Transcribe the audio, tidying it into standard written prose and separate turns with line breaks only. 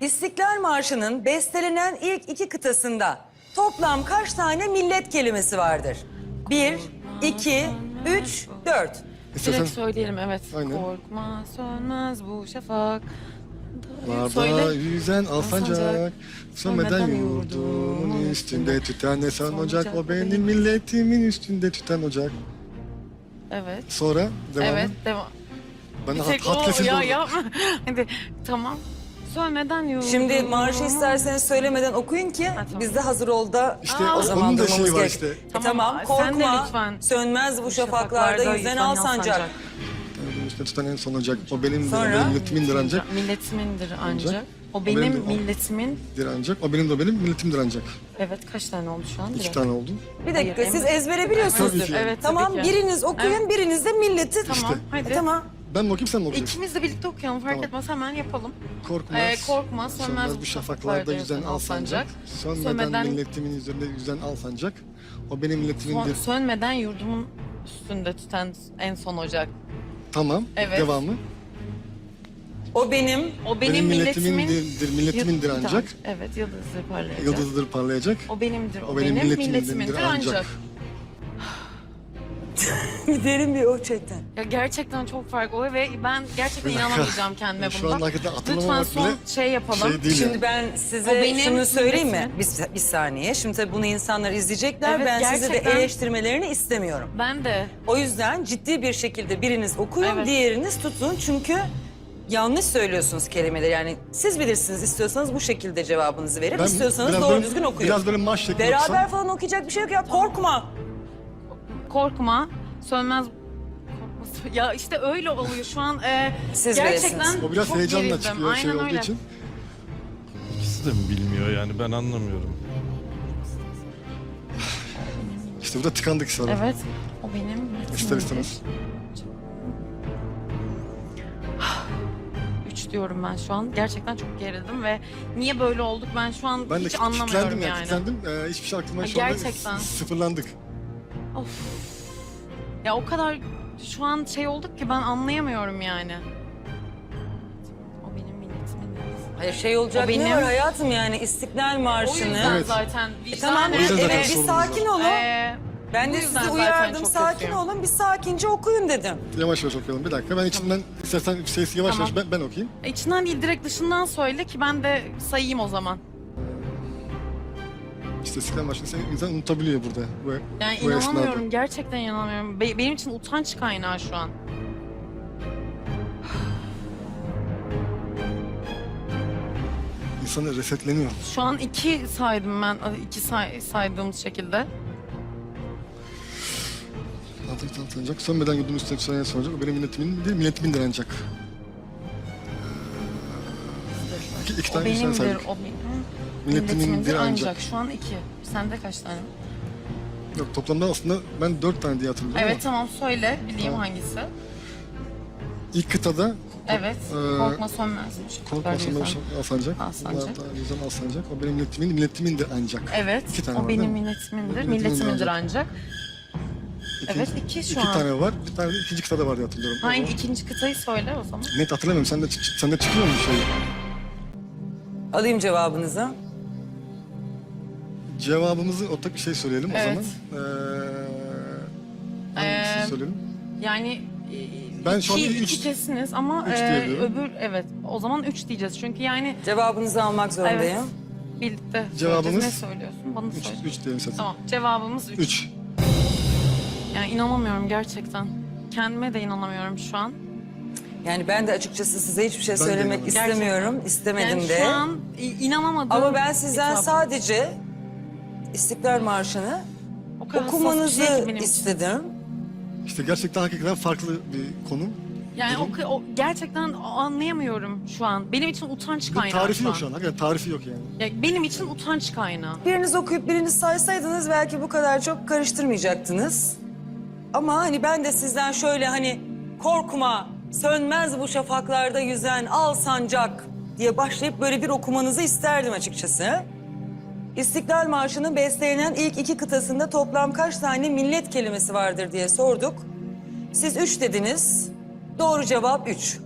İstiklal Marşı'nın bestelenen ilk iki kıtasında toplam kaç tane millet kelimesi vardır? 1, 2, 3, 4.
Direkt söyleyelim, evet.
Aynen.
Korkma sönmez bu şafak.
Larda
Söyle.
yüzen alsancak,
Alsancak,
sönmeden
sönmeden
yurdumun
yurdumun
üstünde tüten ne son
son
ocak,
ocak,
o benim milletimin üstünde tüten ocak.
Evet.
Sonra devamı.
Evet, devam.
Ben
Bir
hat,
tek
hat
o
kesildi
ya
orada.
yapma. Hadi tamam. Sönmeden yurdumun.
Şimdi marşı isterseniz söylemeden okuyun ki
tamam.
biz de hazır ol da
İşte
o zaman
onun da
durmamız
şeyi var
gerek.
işte.
Tamam,
Sen de
korkma,
lütfen.
sönmez bu şafaklarda yüzen al sancak.
Benim üstünde tüten en son ocak, o benim
Sonra?
benim milletimindir ancak.
Milletimindir ancak.
Ancak.
O benim
de o.
milletimin.
Ancak, o benim de benim milletimdir ancak.
Evet, kaç tane oldu şu an?
2
Direkt.
tane oldu.
Bir dakika
Hayır,
siz
en-
ezbere biliyorsunuzdur.
Tabii ki.
Evet,
Tamam
tabii ki.
biriniz okuyun
Evet.
biriniz de milleti.
Tamam,
İşte.
hadi.
Tamam.
Ben mi okuyayım sen mi okuyacaksın?
İkimiz de birlikte okuyalım, fark
Tamam.
etmez, hemen yapalım.
Korkmaz,
Korkma, sönmez
bu şafaklarda yüzen al sancak. Sönmeden milletimin üzerinde yüzen al sancak. O benim milletimindir.
Sönmeden yurdumun üstünde tüten en son ocak.
Tamam,
Evet.
devamı.
O benim
O
Benim
milletimin...
milletimindir ancak.
Evet, yıldızı parlayacak.
Yıldızdır parlayacak.
O benimdir,
O benim milletimindir ancak.
derin bir o çekten.
Ya gerçekten çok fark oluyor ve ben gerçekten
Bir dakika.
inanamayacağım kendime
Şu
bunda.
anda hakikaten
Lütfen
hatırlamamak
son
bile
şey yapalım.
şey değil
Şimdi
yani.
ben
O
size
benim
şunu söyleyeyim mi?
milletimin.
Bir saniye. Şimdi tabii bunu insanlar izleyecekler.
Evet,
Ben size de
gerçekten.
eleştirmelerini istemiyorum.
Ben de.
O yüzden ciddi bir şekilde biriniz okuyun,
Evet.
diğeriniz tutun. Çünkü yanlış söylüyorsunuz kelimeleri. Yani siz bilirsiniz, istiyorsanız bu şekilde cevabınızı verin.
Ben
İstiyorsanız
biraz
doğru
böyle-
düzgün okuyun.
Biraz böyle marş şeklinde
Beraber
okusam.
falan okuyacak bir şey yok ya. Korkma.
Korkma, sönmez... Ya işte öyle oluyor şu an.
Siz
Gerçekten
bilirsiniz.
O biraz
çok
heyecanla
gerildim.
çıkıyor şey
Aynen
olduğu
öyle.
için.
İkisi de mi bilmiyor yani ben anlamıyorum.
İşte burada tıkandık sonra.
Evet, o benim
İster istemez.
3 diyorum ben şu an. Gerçekten çok gerildim ve niye böyle olduk ben şu an
Ben de
hiç anlamıyorum
kilitlendim
yani.
kilitlendim. Hiçbir şey aklıma
Ha,
şu anda
gerçekten.
sıfırlandık.
Of. Ya o kadar şu an şey olduk ki ben anlayamıyorum yani. O benim milletimin.
Hayır şey olacak
O benim-
ne var hayatım yani İstiklal
O
Marşı'nı.
yüzden
Evet.
zaten
Tamam
O yüzden zaten
evet bir
sorunumuz
sakin olun. Ben
bu
de
yüzden
sizi
zaten
uyardım
çok
sakin
kötüyüm.
olun bir sakince okuyun dedim.
Yavaş yavaş okuyalım bir dakika. Ben içinden istersen sesi yavaş
Tamam.
yavaş ben okuyayım.
İçinden değil direkt dışından söyle ki ben de sayayım o zaman.
İşte İstiklal Marşı'nı insan unutabiliyor burada.
Yani
Bu
inanamıyorum,
esnada.
gerçekten inanamıyorum. Benim için utanç kaynağı şu an.
İnsanı resetleniyor.
Şu an 2 saydım ben, 2 saydığımız şekilde.
Altın tanınacak. Sönmeden yurdum üstüne tüten soracak. O benim milletimindir ancak. İki
O
tane insan
benimdir,
saydık.
o benim.
Milletimindir ancak.
Şu an 2. Sende kaç tane?
Yok toplamda aslında ben 4 tane diye hatırlıyorum
Evet
ama
tamam söyle, bileyim
Tamam.
hangisi.
ilk kıtada
Evet, korkma sönmezmiş.
korkma sönmez alsancak.
Alsancak.
Yüzden alsancak. O benim milletimindir ancak.
Evet,
İki tane
o
var, değil
benim
mi?
milletimindir,
Milletimindir
milletimindir
ancak.
ancak. Evet, 2 şu
İki
an.
tane var. Bir tane de ikinci kıtada var diye hatırlıyorum.
Hangi
O-
ikinci kıtayı söyle o zaman.
Net hatırlamıyorum. Sende çıkıyor mu şey?
Alayım cevabınızı.
Cevabımızı ortak bir şey söyleyelim o
Evet.
zaman. Hangisini söyleyelim?
Yani
Ben şu an üç-
iki kesiniz ama
üç diyebiliyorum.
öbür evet o zaman 3 diyeceğiz çünkü yani
Cevabınızı almak zorundayım.
evet birlikte
Cevabımız-
söyleyeceğiz. Ne söylüyorsun bana söyle.
3 diyelim zaten.
Tamam cevabımız 3.
3.
Yani inanamıyorum gerçekten. Kendime de inanamıyorum şu an.
Yani ben de açıkçası size hiçbir şey
Ben de
söylemek
inanamıyorum.
istemiyorum. İstemedim
Yani
de.
şu an inanamadım.
Ama ben sizden
Hitap.
sadece İstiklal Marşı'nı
O kadar hassas bir
okumanızı
şey ki benim için.
istedim.
İşte gerçekten hakikaten farklı bir konu.
Yani
Durum.
o gerçekten anlayamıyorum şu an. Benim için utanç
Bir
kaynağı
tarifi
şu
yok
an.
şu an. Hakikaten tarifi yok yani.
Ya benim için utanç kaynağı.
Biriniz okuyup biriniz saysaydınız belki bu kadar çok karıştırmayacaktınız. Ama hani ben de sizden şöyle hani korkma, sönmez bu şafaklarda yüzen al sancak diye başlayıp böyle bir okumanızı isterdim açıkçası. İstiklal Marşı'nın bestelenen ilk iki kıtasında toplam kaç tane millet kelimesi vardır diye sorduk. Siz 3 dediniz. Doğru cevap 3.